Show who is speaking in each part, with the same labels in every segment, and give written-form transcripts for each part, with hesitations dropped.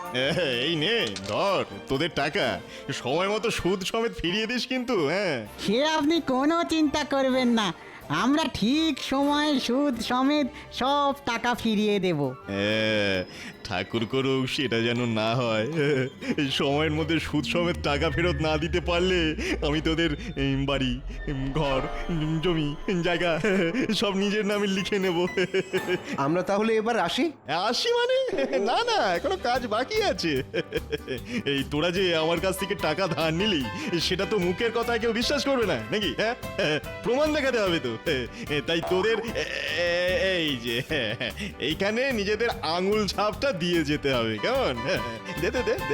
Speaker 1: এই নে ধর তোদের টাকা, সময় মতো সুদ সমেত ফিরিয়ে দিস কিন্তু। হ্যাঁ,
Speaker 2: সে আপনি কোনো চিন্তা করবেন না, আমরা ঠিক সময়ে সুদ সমেত সব টাকা ফিরিয়ে দেব।
Speaker 1: ঠাকুর করুক সেটা যেন না হয়। এই সময়ের মধ্যে সুদ সমেত টাকা ফেরত না দিতে পারলে আমি তোদের বাড়ি, ঘর, জমি, জায়গা সব নিজের নামে লিখে নেব।
Speaker 3: আমরা তাহলে এবার আসি।
Speaker 1: আসি মানে? না না, এখনো কাজ বাকি আছে। এই তোরা যে আমার কাছ থেকে টাকা ধার নিলি, সেটা তো মুখের কথা কেউ বিশ্বাস করবে না নাকি? হ্যাঁ, প্রমাণ দেখাতে হবে তো। তাই তোদের এই যে এইখানে নিজেদের আঙুল ছাপটা দিয়ে যেতে হবে, কেমন? দে দে দে দে।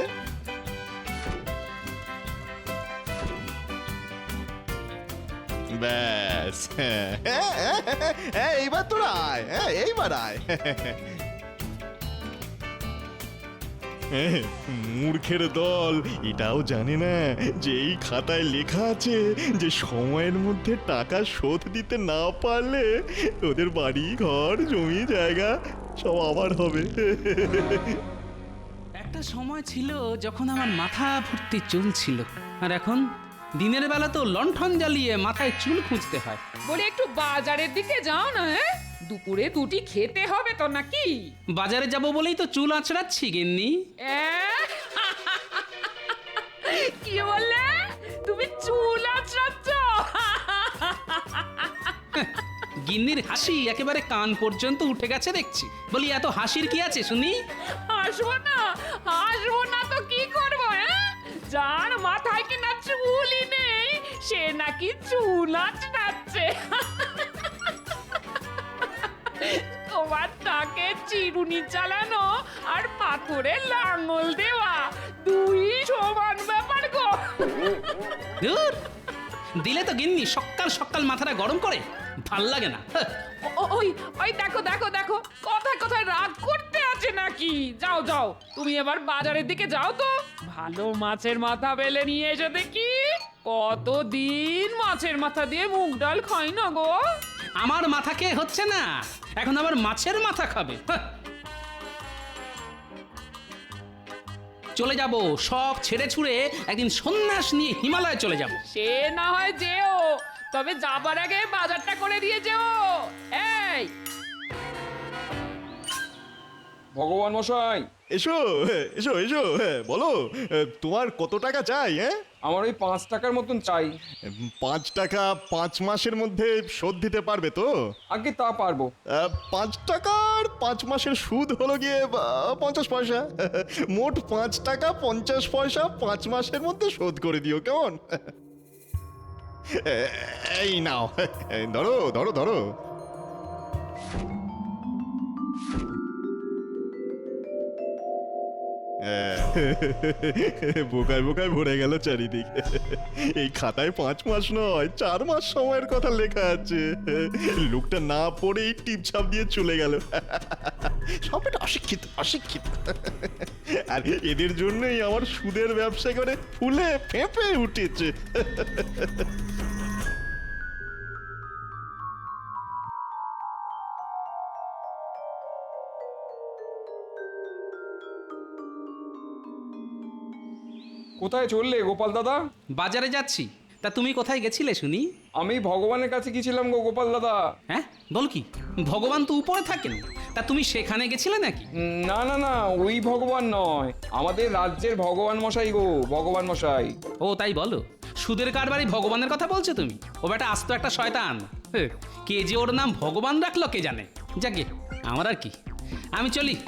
Speaker 1: ব্যাস, এইবার তোরা আয়, এইবার আয়। মূর্খের দল এটাও জানে না যে এই খাতায় লেখা আছে যে সময়ের মধ্যে টাকা শোধ দিতে না পারলে ওদের বাড়ি, ঘর, জমি, জায়গা সব আবার হবে।
Speaker 4: একটা সময় ছিল যখন আমার মাথা ভর্তি চুল ছিল, আর এখন দিনের বেলা তো লণ্ঠন জ্বালিয়ে মাথায় চুল খুঁজতে হয়।
Speaker 5: বলে একটু বাজারের দিকে যাও না। হ্যাঁ, দুপুরে দুটি খেতে হবে তো নাকি?
Speaker 4: বাজারে যাব বলেই তো চুল আঁচড়াচ্ছি গিন্নি।
Speaker 5: কি বললে? তুমি চুল আঁচড়াচ্ছ?
Speaker 4: গিন্নির হাসি একেবারে কান পর্যন্ত উঠে গেছে দেখছি। বলি এত হাসির কি আছে শুনি?
Speaker 5: হাসবো না, হাসবো না তো কি করবো? যার মাথায় কিনা চুলই নেই সে নাকি চুল আঁচড়াচ্ছে। তোমার তাকে চিরুনি চালানো আর পাথরে লাঙল দেওয়া দুই সমান ব্যাপার গো।
Speaker 4: ধুর, দিলে তো গিন্নি সকাল সকাল মাথাটা গরম করে, ভাল লাগে না।
Speaker 5: ওই ওই দেখো দেখো দেখো, কথায় কথায় রাগ করতে আছে নাকি? যাও যাও, তুমি এবার বাজারের দিকে যাও তো, ভালো মাছের মাথা বেলে নিয়ে এসে দেখি। কতদিন মাছের মাথা দিয়ে মুগ ডাল খাই না গো।
Speaker 4: আমার মাথা খেয়ে হচ্ছে না, এখন আবার মাছের মাথা খাবে। চলে যাব, সব ছেড়ে ছুড়ে একদিন সন্ন্যাস নিয়ে হিমালয়ে চলে যাব।
Speaker 5: সে না হয় যেও, তবে যাবার আগে বাজারটা করে দিয়ে যেও। এই
Speaker 6: ভগবান মশাই,
Speaker 1: এসো এসো এসো, বলো তোমার কত টাকা চাই? হ্যাঁ,
Speaker 6: আমার ওই 5 টাকার মতন চাই।
Speaker 1: 5 টাকা 5 মাসের মধ্যে শোধ দিতে পারবে তো?
Speaker 6: আগে তা পারবো।
Speaker 1: 5 টাকার 5 মাসের সুদ হলো গিয়ে 50 পয়সা। মোট 5 টাকা 50 পয়সা 5 মাসের মধ্যে শোধ করে দিও, কেমন? এই নাও, ধরো ধরো ধরো। বোকায় বোকায় ভরে গেল চারিদিকে। এই খাতায় 5 মাস নয় 4 মাস সময়ের কথা লেখা আছে। লোকটা না পড়েই টিপছাপ দিয়ে চলে গেল। সবটা অশিক্ষিত অশিক্ষিত। আর এদের জন্যই আমার সুদের ব্যবসা করে ফুলে ফেঁপে উঠেছে।
Speaker 6: কোথায় চললে গোপাল দাদা?
Speaker 4: বাজারে যাচ্ছি। তা তুমি কোথায় গেছিলে শুনি?
Speaker 6: আমি ভগবানের কাছে গেছিলাম গো গোপাল দাদা।
Speaker 4: হ্যাঁ, বল কি? ভগবান তো উপরে থাকেন, তা তুমি সেখানে গেছিলে নাকি?
Speaker 6: না না না, ওই ভগবান নয়, আমাদের রাজ্যের ভগবান মশাই গো, ভগবান মশাই।
Speaker 4: ও তাই বলো, সুদের কারবারি ভগবানের কথা বলছো তুমি? ও বেটা আস্ত একটা শয়তান। কে যে ওর নাম ভগবান রাখলো কে জানে। যাকে আমার আর কি, আমি চলি।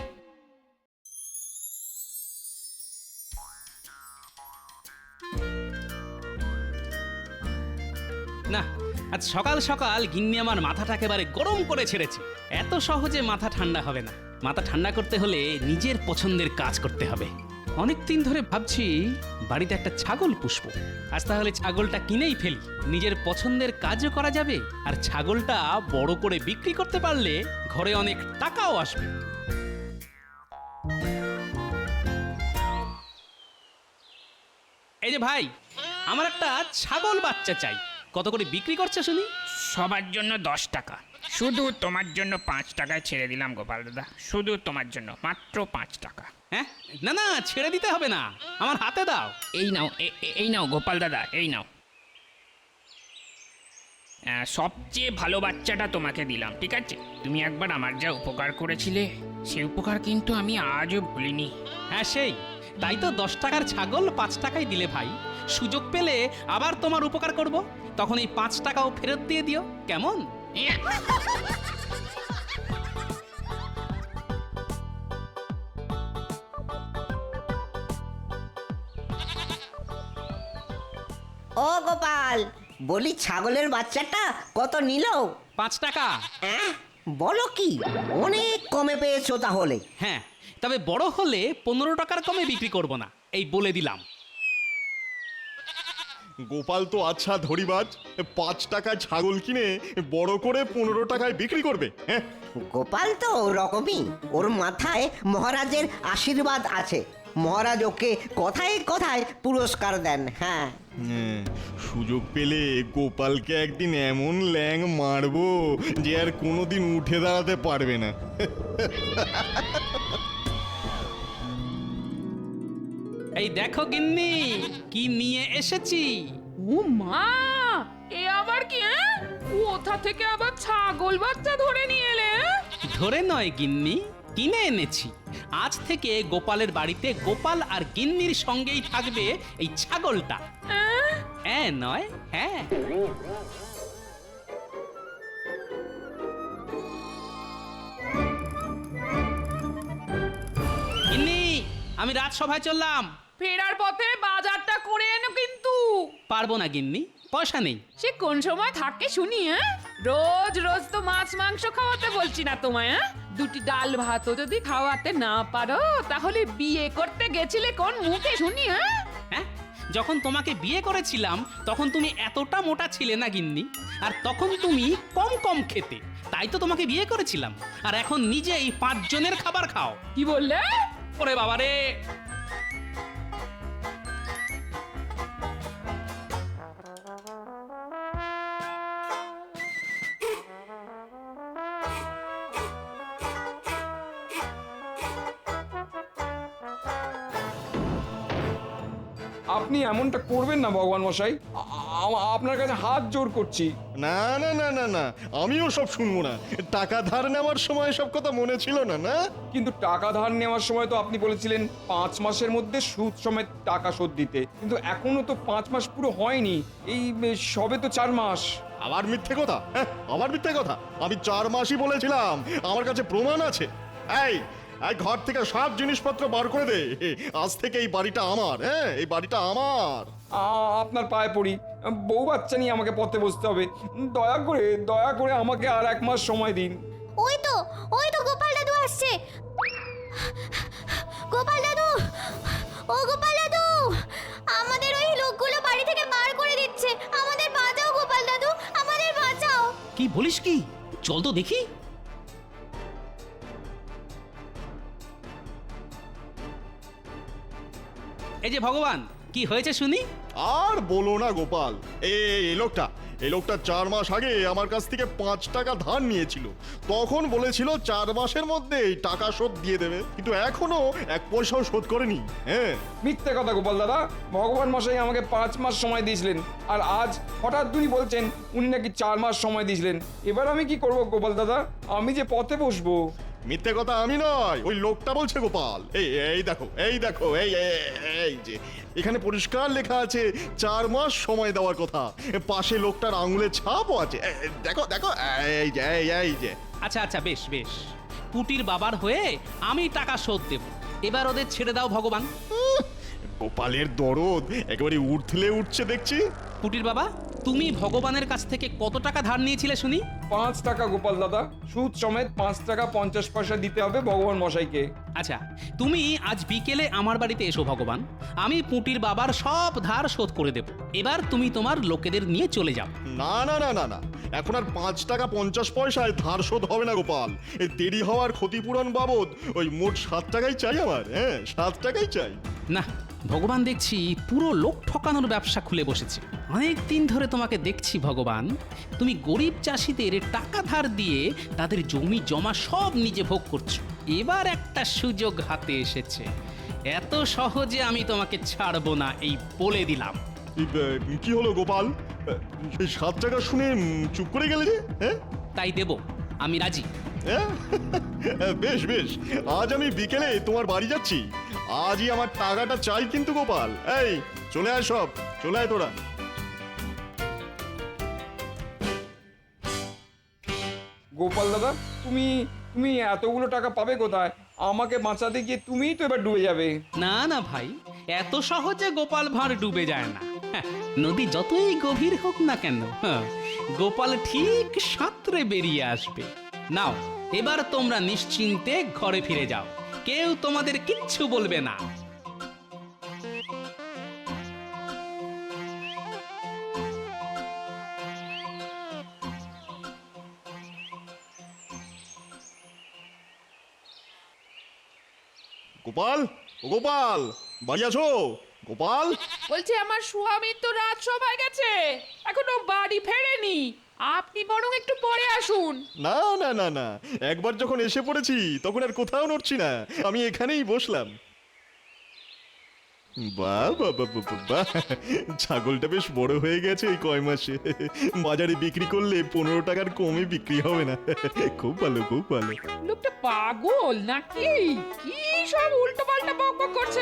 Speaker 4: না, আজ সকাল সকাল গিন্নি আমার মাথাটা একেবারে গরম করে ছেড়েছে। এত সহজে মাথা ঠান্ডা হবে না। মাথা ঠান্ডা করতে হলে নিজের পছন্দের কাজ করতে হবে। অনেক দিন ধরে ভাবছি বাড়িতে একটা ছাগল পুষবো। আজ তাহলে ছাগলটা কিনেই ফেলি, নিজের পছন্দের কাজও করা যাবে, আর ছাগলটা বড় করে বিক্রি করতে পারলে ঘরে অনেক টাকাও আসবে। এই যে ভাই, আমার একটা ছাগল বাচ্চা চাই, কত করে বিক্রি করছে শুনি?
Speaker 7: সবার জন্য 10 টাকা, শুধু তোমার জন্য 5 টাকায় ছেড়ে দিলাম গোপাল দাদা, শুধু তোমার জন্য মাত্র 5 টাকা।
Speaker 4: হ্যাঁ, না না, ছেড়ে দিতে হবে না, আমার হাতে দাও।
Speaker 7: এই নাও, এই নাও গোপাল দাদা, এই নাও। সবচেয়ে ভালো বাচ্চাটা তোমাকে দিলাম, ঠিক আছে? তুমি একবার আমার যা উপকার করেছিলে, সেই উপকার কিন্তু আমি আজও ভুলিনি।
Speaker 4: হ্যাঁ সেই, তাই তো 10 টাকার ছাগল 5 টাকায় দিলে ভাই। সুযোগ পেলে আবার তোমার উপকার করব, তখন এই 5 টাকাও ফেরত দিয়ে দিও, কেমন?
Speaker 8: ও গোপাল, বলি ছাগলের বাচ্চাটা কত নিল?
Speaker 4: 5 টাকা।
Speaker 8: বলো কি, অনেক কমে পেয়েছো তাহলে।
Speaker 4: হ্যাঁ, তবে বড় হলে 15 টাকার কমে বিক্রি করব না, এই বলে দিলাম।
Speaker 1: গোপাল তো আচ্ছা ধরিবাজ, 5 টাকায় ছাগল কিনে বড় করে 15 টাকায় বিক্রি করবে। হ্যাঁ,
Speaker 8: গোপাল তো ওরকমই, ওর মাথায় মহারাজের আশীর্বাদ আছে। মহারাজ ওকে কথায় কথায় পুরস্কার দেন। হ্যাঁ,
Speaker 1: সুযোগ পেলে গোপালকে একদিন এমন ল্যাং মারবো যে আর কোনোদিন উঠে দাঁড়াতে পারবে না।
Speaker 4: এই দেখো গিন্নি, কি নিয়ে এসেছি।
Speaker 5: ও মা, এ আবার কি? কোথা থেকে আবার ছাগল বাচ্চা ধরে নিয়ে এলে?
Speaker 4: ধরে নয় গিন্নি, কিনে এনেছি। আজ থেকে গোপালের বাড়িতে গোপাল আর গিন্নির সঙ্গেই থাকবে এই ছাগলটা। হ্যাঁ নয়, হ্যাঁ। গিন্নি, আমি রাজসভায় চললাম।
Speaker 5: ফেরার পথে বাজারটা করে এনো কিন্তু।
Speaker 4: পারবো না গিন্নি, পয়সা নেই।
Speaker 5: সে কোন সময় থাকে শুনি? রোজ রোজ তো মাছ মাংস খাওয়াতে বলছি না তোমায়। দুটি ডাল ভাতও যদি খাওয়াতে না পারো, তাহলে বিয়ে করতে গেছিলে কোন মুখে শুনি?
Speaker 4: হ্যাঁ, যখন তোমাকে বিয়ে করেছিলাম তখন তুমি এতটা মোটা ছিলে না গিন্নি, আর তখন তুমি কম কম খেতে, তাই তো তোমাকে বিয়ে করেছিলাম। আর এখন নিজেই 5 জনের খাবার খাও।
Speaker 5: কি বললে?
Speaker 4: ওরে বাবা রে!
Speaker 6: আপনি এমনটা করবেন না ভগবান মশাই, আপনার কাছে হাত জোর করছি।
Speaker 1: না না না না না, আমিও সব শুনবো না। টাকা ধার নেওয়ার সময় সব কথা মনে ছিল না? না,
Speaker 6: কিন্তু টাকা ধার নেওয়ার সময় তো আপনি বলেছিলেন 5 মাসের মধ্যে সুদ সমেত টাকা শোধ দিতে, কিন্তু এখনো তো 5 মাস পুরো হয়নি, এই সবে তো 4 মাস।
Speaker 1: আবার মিথ্যে কথা? হ্যাঁ, আবার মিথ্যে কথা। আমি 4 মাসই বলেছিলাম, আমার কাছে প্রমাণ আছে। এই ঘর থেকে সব জিনিসপত্র বার করে দে। আজ থেকে এই বাড়িটা আমার। হ্যাঁ, এই বাড়িটা আমার।
Speaker 6: আপনার পায়ে পড়ি, বউ বাচ্চা নিয়ে আমাকে পথে বসতে হবে। দয়া করে আমাকে আর 1 মাস সময় দিন।
Speaker 9: ওই তো গোপাল দাদু আসছে। গোপাল দাদু, ও গোপাল দাদু, আমাদের ওই লোকগুলো বাড়ি থেকে বার করে দিচ্ছে। আমাদের বাঁচাও গোপাল দাদু, আমাদের বাঁচাও।
Speaker 4: কি বলিস কি? চল তো দেখি। এই যে ভগবান, কি হয়েছে শুনি?
Speaker 1: আর বলো না গোপাল, এই লোকটা 4 মাস আগে আমার কাছ থেকে 5 টাকা ধার নিয়েছিল। তখন বলেছিল 4 মাসের মধ্যে টাকা শোধ দিয়ে দেবে, কিন্তু এখনো 1 পয়সাও শোধ করেনি। হ্যাঁ,
Speaker 6: মিথ্যে কথা গোপাল দাদা, ভগবান মশাই আমাকে 5 মাস সময় দিয়েছিলেন, আর আজ হঠাৎ উনি বলছেন উনি নাকি 4 মাস সময় দিয়েছিলেন। এবার আমি কি করব গোপাল দাদা? আমি যে পথে বসবো।
Speaker 1: মিথ্যে কথা আমি নয়, ওই লোকটা বলছে গোপাল। এই দেখো, এই যে এখানে পরিষ্কার লেখা আছে 4 মাস সময় দেওয়ার কথা। পাশে লোকটার আঙুলের ছাপও আছে। দেখো, এই যে।
Speaker 4: আচ্ছা আচ্ছা, বেশ বেশ, পুটির বাবার হয়ে আমি টাকা শোধ দেব। এবার ওদের ছেড়ে দাও ভগবান।
Speaker 1: গোপালের দরদ একেবারে উঠলে উঠছে দেখছি।
Speaker 4: পুটির বাবা, তুমি ভগবানের কাছ থেকে কত টাকা ধার নিয়েছিলে শুনি?
Speaker 6: 5 টাকা গোপাল দাদা, সুদ সমেত 5 টাকা 50 পয়সা দিতে হবে ভগবান মশাইকে।
Speaker 4: আচ্ছা, তুমি আজ বিকেলে আমার বাড়িতে এসো ভগবান, আমি পুটির বাবার সব ধার শোধ করে দেব। এবার তুমি তোমার লোকেদের নিয়ে চলে যাও।
Speaker 1: না না না না না, এখন আর 5 টাকা 50 পয়সায় ধার শোধ হবে না গোপাল। এই দেরি হওয়ার ক্ষতিপূরণ বাবদ ওই মোট 7 টাকাই চাই আমার। হ্যাঁ, 7 টাকাই চাই।
Speaker 4: না, ভগবান দেখছি পুরো লোক ঠকানোর ব্যবসা খুলে বসেছে। অনেক দিন ধরে তোমাকে দেখছি ভগবান, তুমি গরিব চাষিদের টাকা ধার দিয়ে তাদের জমি জমা সব নিজে ভোগ করছো। এবার একটা সুযোগ হাতে এসেছে, এত সহজে আমি তোমাকে ছাড়বো না, এই বলে দিলাম।
Speaker 1: কি হলো গোপাল? এই 7 টাকা শুনে চুপ করে গেলে যে? হ্যাঁ
Speaker 4: তাই দেব, আমি রাজি।
Speaker 1: হ্যাঁ? বেশ বেশ, আজ আমি বিকেলে তোমার বাড়ি যাচ্ছি। আজই আমার টাকাটা চাই কিন্তু গোপাল। এই চলে আয়, সব চলে আয় তোরা।
Speaker 6: গোপাল দাদা, তুমি তুমি এতগুলো টাকা পাবে কোথায়? আমাকে বাঁচাতে গিয়ে তুমিই তো এবার ডুবে যাবে।
Speaker 4: না না ভাই, এত সহজে গোপাল ভাঁড় ডুবে যায় না। হ্যাঁ, নদী যতই গভীর হোক না কেন, হ্যাঁ, গোপাল ঠিক সাঁতরে বেরিয়ে আসবে। নাও, এবার তোমরা নিশ্চিন্তে ঘরে ফিরে যাও, কেউ তোমাদের কিচ্ছু বলবে না।
Speaker 1: গোপাল, ও গোপাল, বাড়ি আছো? গোপাল,
Speaker 5: বলছি আমার স্বামী তো রাত সবাই গেছে, এখনো বাড়ি ফেরেনি। আপনি বরং একটু পরে আসুন।
Speaker 1: না না না না, একবার যখন এসে পড়েছি তখন আর কোথাও নড়ছি না, আমি এখানেই বসলাম। বাহ বাহ বাহ বাহ বাহ, ছাগলটা বেশ বড় হয়ে গেছে এই কয় মাসে। বাজারে বিক্রি করলে 15 টাকার কমে বিক্রি হবে না। খুব ভালো, খুব ভালো।
Speaker 5: লোকটা পাগল নাকি? কি সব উল্টো পাল্টা বক বক করছে।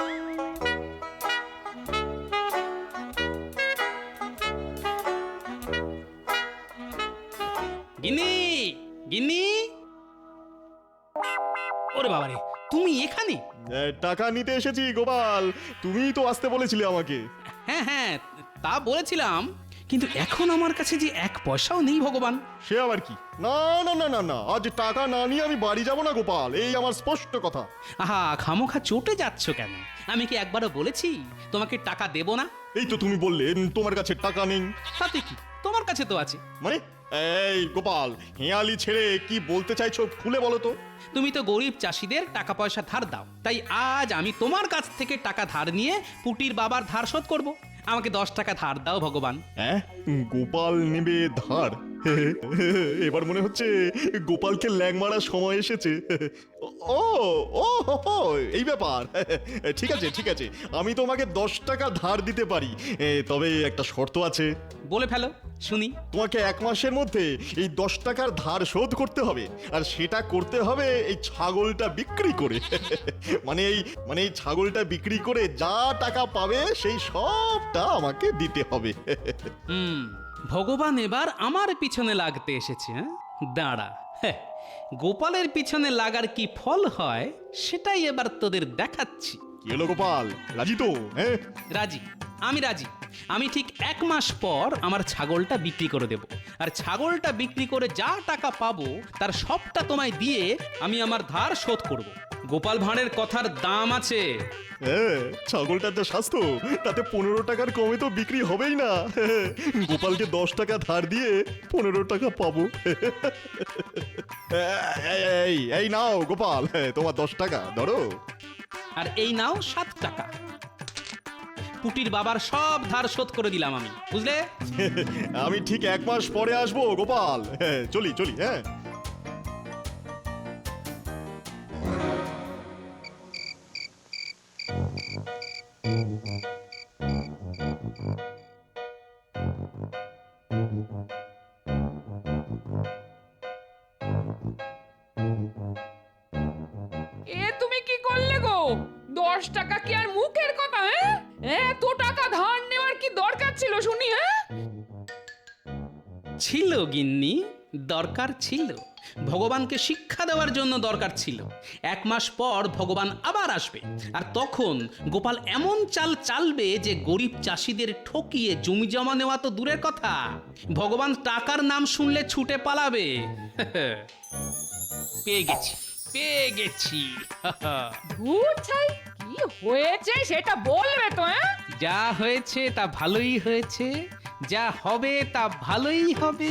Speaker 4: গিন্নি, গিন্নি, ওরে বাবারে, তুমি এখানে?
Speaker 1: টাকা নিতে এসেছি গোপাল, তুমিই তো আসতে বলেছিলে আমাকে।
Speaker 4: হ্যাঁ হ্যাঁ, তা বলেছিলাম, কিন্তু এখন আমার কাছে যে 1 পয়সাও নেই ভগবান।
Speaker 1: সে আবার কি? না না না না না, আজ টাকা না নিয়ে আমি বাড়ি যাব না গোপাল, এই আমার স্পষ্ট কথা।
Speaker 4: আহা, খামোখা চটে যাচ্ছ কেন? আমি কি একবারও বলেছি তোমাকে টাকা দেব না?
Speaker 1: এই তো তুমি বললে তোমার কাছে টাকা নেই।
Speaker 4: তাতে কি, তোমার কাছে তো আছে।
Speaker 1: মানে এই গোপাল, হেয়ালি ছেড়ে কি বলতে চাইছো খুলে বলো তো।
Speaker 4: তুমি তো গরিব চাষিদের টাকা পয়সা ধার দাও, তাই আজ আমি তোমার কাছ থেকে টাকা ধার নিয়ে পুটির বাবার ধার শোধ করব। আমাকে 10 টাকা ধার দাও ভগবান।
Speaker 1: হ্যাঁ, গোপাল নেবে ধার? এবার মনে হচ্ছে গোপালকে ল্যাং মারার সময় এসেছে। ও ও হো হো, এই ব্যাপার। ঠিক আছে ঠিক আছে, আমি তোমাকে 10 টাকা ধার দিতে পারি, তবে একটা শর্ত আছে।
Speaker 4: বলে ফেলো শুনি।
Speaker 1: তোমাকে 1 মাসের মধ্যে এই 10 টাকার ধার শোধ করতে হবে, আর সেটা করতে হবে এই ছাগলটা বিক্রি করে। মানে এই ছাগলটা বিক্রি করে যা টাকা পাবে সেই সবটা আমাকে দিতে হবে।
Speaker 4: ভগবান এবার আমার পিছনে লাগতে এসেছে। হ্যাঁ, দাঁড়া, হ্যাঁ, গোপালের পিছনে লাগার কি ফল হয় সেটাই এবার তোদের দেখাচ্ছি।
Speaker 1: কি হলো গোপাল, রাজি তো? হ্যাঁ
Speaker 4: রাজি, আমি রাজি। আমি ঠিক 1 মাস পর আমার ছাগলটা বিক্রি করে দেব, আর ছাগলটা বিক্রি করে যা টাকা পাবো তার সবটা তোমায় দিয়ে আমি আমার ধার শোধ করব। গোপাল ভাঁড়ের কথার দাম আছে।
Speaker 1: হ্যাঁ, ছাগলটার যা স্বাস্থ্য, তাতে 15 টাকার কমে তো বিক্রি হবেই না। গোপালকে 10 টাকা ধার দিয়ে 15 টাকা পাবো। এই এই নাও গোপাল, তোমার 10 টাকা ধরো।
Speaker 4: আর এই নাও 7 টাকা। পুটির বাবার সব ধার শোধ করে দিলাম আমি, বুঝলে?
Speaker 1: আমি ঠিক 1 মাস পরে আসবো গোপাল। হ্যাঁ, চলি চলি। হ্যাঁ,
Speaker 5: এ তুমি কি করলে গো? 10 টাকা কি আর মুখের কথা? হ্যাঁ, এত টাকা ধার নেওয়ার কি দরকার ছিল শুনি? হ্যাঁ,
Speaker 4: ছিল গিন্নি, দরকার ছিল। ভগবানকে শিক্ষা দেওয়ার জন্য দরকার ছিল। 1 মাস পর ভগবান আবার আসবে, আর তখন গোপাল এমন চাল চালবে যে গরিব চাষিদের ঠকিয়ে জমি জমা নেওয়া তো দূরের কথা, ভগবান টাকার নাম শুনলে ছুটে পালাবে। পেয়ে গেছি, পেয়ে গেছি।
Speaker 5: ধুর ছাই, কি হয়েছে সেটা বলবে তো? হ্যাঁ,
Speaker 4: যা হয়েছে তা ভালোই হয়েছে, যা হবে তা ভালোই হবে।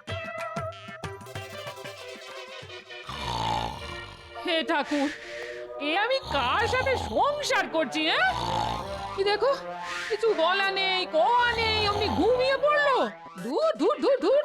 Speaker 5: হে ঠাকুর, এ আমি কার সাথে সংসার করছি? হ্যাঁ, কি দেখো, কিছু বলা নেই, কোয়া নেই, অমনি ঘুমিয়ে পড়লো। ধুর ধুর ধুর ধুর।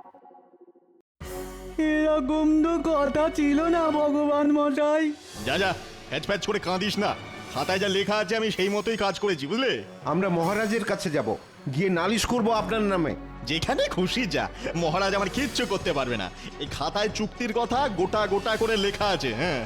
Speaker 2: এরকম তো কথা ছিল না ভগবান মশাই।
Speaker 1: যা যা, প্যাচ প্যাচ করে কাঁদিস না। খাতায় যা লেখা আছে আমি সেই মতোই কাজ করেছি, বুঝলে?
Speaker 3: আমরা মহারাজের কাছে যাব, গিয়ে নালিশ করব আপনার নামে।
Speaker 1: যেখানে খুশি যা, মহারাজ আমার কিচ্ছু করতে পারবে না। এই খাতায় চুক্তির কথা গোটা গোটা করে লেখা আছে। হ্যাঁ,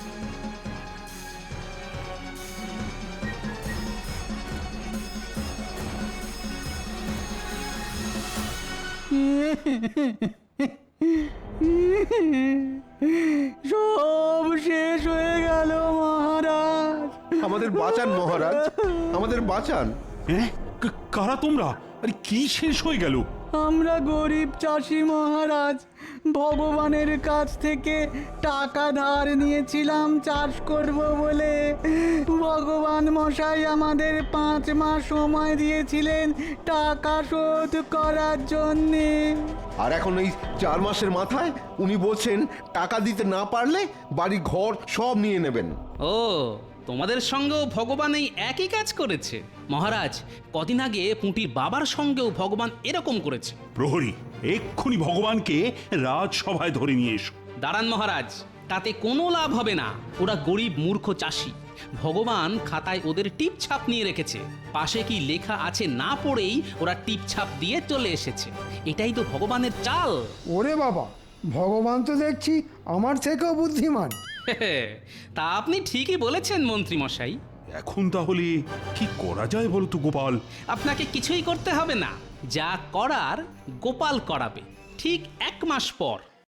Speaker 2: সব শেষ হয়ে গেল মহারাজ।
Speaker 3: আমাদের বাঁচান মহারাজ, আমাদের বাঁচান।
Speaker 10: হ্যাঁ, কারা তোমরা? আরে কি শেষ হয়ে গেল?
Speaker 2: আমরা গরিব চাষি মহারাজ, ভগবানের কাছ থেকে টাকা ধার নিয়েছিলাম চাষ করব বলে। ভগবান মশাই আমাদের 5 মাস সময় দিয়েছিলেন টাকা শোধ করার জন্যে।
Speaker 3: আর এখন এই 4 মাসের মাথায় উনি বলছেন টাকা দিতে না পারলে বাড়ি ঘর সব নিয়ে নেবেন।
Speaker 4: ও, তোমাদের সঙ্গেও ভগবান এই একই কাজ করেছে? মহারাজ, কদিন আগে পুঁটির বাবার সঙ্গেও ভগবান এরকম করেছে।
Speaker 10: প্রহরী, এক্ষুনি ভগবানকে রাজসভায় ধরে নিয়ে এসো।
Speaker 4: দাঁড়ান মহারাজ, তাতে কোনো লাভ হবে না। ওরা গরিব মূর্খ চাষি। ভগবান খাতায় ওদের টিপ ছাপ নিয়ে রেখেছে। পাশে কি লেখা আছে না পড়েই ওরা টিপ ছাপ দিয়ে চলে এসেছে। এটাই তো ভগবানের চাল।
Speaker 11: ওরে বাবা, ভগবান তো দেখছি আমার থেকেও বুদ্ধিমান।
Speaker 4: তা আপনি ঠিকই বলেছেন মন্ত্রী মশাই।
Speaker 10: এখন তাহলে কি করা যায় বলো তো গোপাল?
Speaker 4: আপনাকে কিছুই করতে হবে না, যা করার গোপাল করাবে ঠিক 1 মাস পর।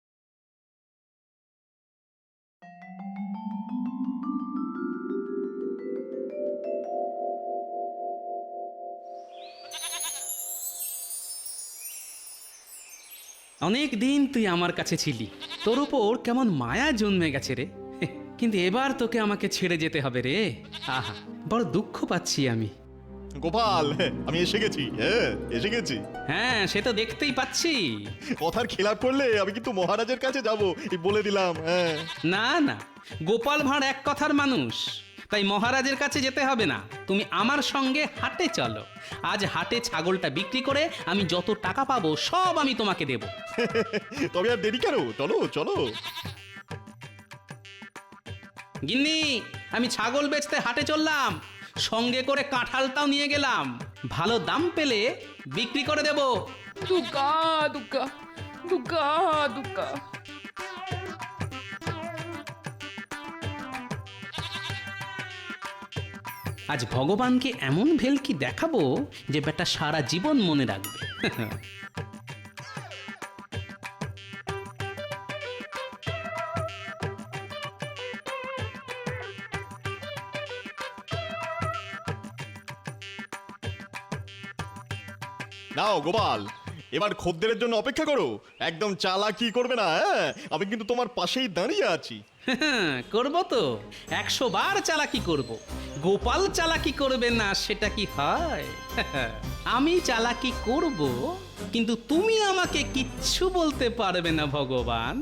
Speaker 4: অনেক দিন তুই আমার কাছে ছিলি, তোর উপর কেমন মায়া জন্মে গেছে রে। কিন্তু এবার তোকে আমাকে ছেড়ে যেতে হবে রে। আহা, বড় দুঃখ পাচ্ছি আমি।
Speaker 1: গোপাল, আমি এসে গেছি। হ্যাঁ, এসে গেছি।
Speaker 4: হ্যাঁ, সে তো দেখতেই পাচ্ছি।
Speaker 1: কথার খেলাপ করলে আমি কিন্তু মহারাজের কাছে যাব, এই বলে দিলাম। হ্যাঁ,
Speaker 4: না না, গোপাল ভাঁড় এক কথার মানুষ, তাই মহারাজের কাছে যেতে হবে না। তুমি আমার সঙ্গে হাটে চলো। আজ হাটে ছাগলটা বিক্রি করে আমি যত টাকা পাবো সব আমি তোমাকে দেব।
Speaker 1: তবে আর দেরি কেন, চলো চলো।
Speaker 4: গিন্নি, আমি ছাগল বেচতে হাটে চললাম, সঙ্গে করে কাঁঠালটাও নিয়ে গেলাম। ভালো দাম পেলে বিক্রি করে দেব।
Speaker 5: দুগ্গা দুগ্গা দুগ্গা দুগ্গা।
Speaker 4: আজ ভগবানকে এমন ভেলকি দেখাবো যে বেটা সারা জীবন মনে রাখবে।
Speaker 1: নাও গোপাল, এবার খদ্দেরের জন্য অপেক্ষা করো। একদম চালাকি করবে না। হ্যাঁ, আমি কিন্তু তোমার পাশেই দাঁড়িয়ে আছি।
Speaker 4: করব তো, 100 বার চালাকি করব। গোপাল চালাকি করবে না সেটা কি হয়? আমি চালাকি করব, কিন্তু তুমি আমাকে কিচ্ছু বলতে পারবে না ভগবান।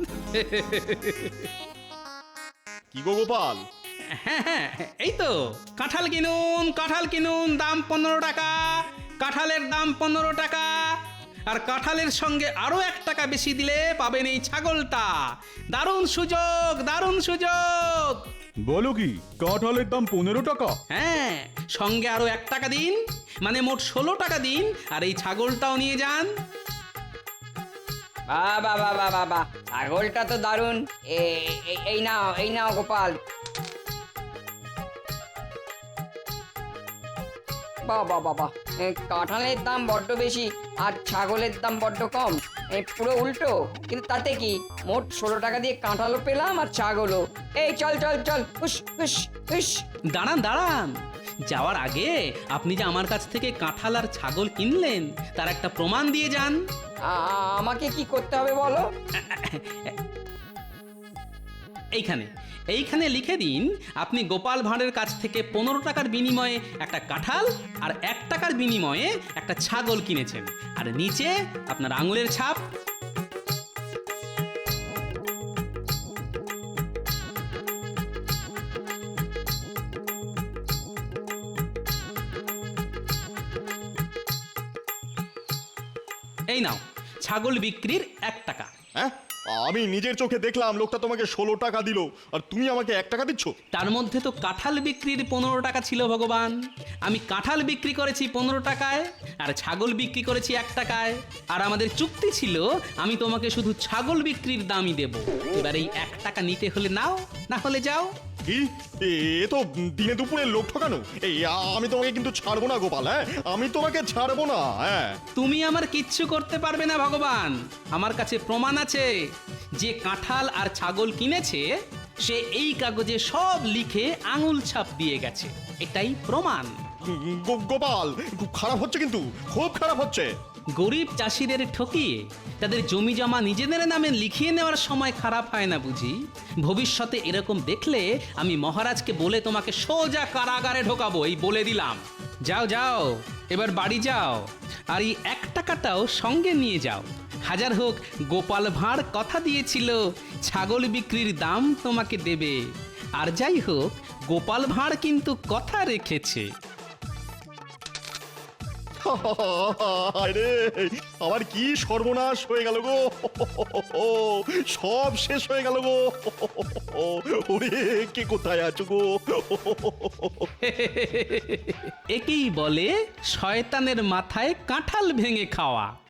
Speaker 1: কি গো গোপাল?
Speaker 4: হ্যাঁ, এই তো কাঁঠাল কিনুন, কাঁঠাল কিনুন, দাম 15 টাকা। কাঁঠালের দাম 15 টাকা। আর কাঁঠালের সঙ্গে আরো 1 টাকা বেশি দিলে পাবেন এই ছাগলটা। দারুণ সুযোগ, দারুণ সুযোগ।
Speaker 10: বলো কি, কাঁঠালের দাম 15 টাকা?
Speaker 4: হ্যাঁ, সঙ্গে আরো 1 টাকা দিন, মানে মোট 16 টাকা দিন, আর এই ছাগলটাও নিয়ে যান।
Speaker 12: বাবা বাবা বাবা, ছাগলটা তো দারুণ। এই নাও গোপাল। বাবা বাবা, কাঁঠালের দাম বড্ড বেশি আর ছাগলের দাম বড্ড কম। পুরো উল্টো, কিন্তু তাতে কি, মোট 16 টাকা দিয়ে কাঁঠালও পেলাম আর ছাগলও। এই চল চল চল, হুস হুস হুস।
Speaker 4: দাঁড়ান দাঁড়ান, যাওয়ার আগে আপনি যে আমার কাছ থেকে কাঁঠাল আর ছাগল কিনলেন তার একটা প্রমাণ দিয়ে যান।
Speaker 12: আমাকে কি করতে হবে বলো?
Speaker 4: এইখানে লিখে দিন আপনি গোপাল ভাঁড়ের কাছ থেকে 15 টাকার বিনিময়ে একটা কাঁঠাল আর 1 টাকার বিনিময়ে একটা ছাগল কিনেছেন, আর নিচে আপনার আঙুলের ছাপ। এই নাও ছাগল বিক্রির 1 টাকা।
Speaker 1: হ্যাঁ, আমি নিজের চোখে দেখলাম লোকটা তোমাকে 16 টাকা দিল, আর তুমি আমাকে 1 টাকা দিচ্ছ?
Speaker 4: তার মধ্যে তো কাঁঠাল বিক্রির 15 টাকা ছিল ভগবান। আমি কাঁঠাল বিক্রি করেছি 15 টাকায়, আর ছাগল বিক্রি করেছি 1 টাকায়। আর আমাদের চুক্তি ছিল আমি তোমাকে শুধু ছাগল বিক্রির দামই দেব। এবার এই 1 টাকা নিতে হলে নাও, না হলে যাও।
Speaker 1: কি, এ তো দিনে দুপুরে লোক ঠকানো। এই আমি তোমাকে কিন্তু ছাড়বো না গোপাল, হ্যাঁ, আমি তোমাকে ছাড়বো না। হ্যাঁ,
Speaker 4: তুমি আমার কিচ্ছু করতে পারবে না ভগবান। আমার কাছে প্রমাণ আছে, যে কাঁঠাল আর ছাগল কিনেছে সে এই কাগজে সব লিখে আঙুল ছাপ দিয়ে গেছে। এটাই প্রমাণ।
Speaker 1: গোপাল, খুব খারাপ হচ্ছে, কিন্তু খুব খারাপ হচ্ছে।
Speaker 4: গরিব চাষিদের ঠকিয়ে তাদের জমি জমা নিজেদের নামে লিখিয়ে নেওয়ার সময় খারাপ হয় না বুঝি? ভবিষ্যতে এরকম দেখলে আমি মহারাজকে বলে তোমাকে সোজা কারাগারে ঢোকাবো, এই বলে দিলাম। যাও যাও, এবার বাড়ি যাও, আর এই 1 টাকাটাও সঙ্গে নিয়ে যাও। হাজার হোক গোপাল ভাঁড় কথা দিয়েছিল ছাগল বিক্রির দাম তোমাকে দেবে, আর যাই হোক গোপাল ভাঁড় কিন্তু কথা রেখেছে।
Speaker 1: আরে, আমার কি সর্বনাশ হয়ে গেল গো, সব শেষ হয়ে গেল গো। ওরে, কে কোথায় আছো গো?
Speaker 4: একেই বলে শয়তানের মাথায় কাঁঠাল ভেঙে খাওয়া।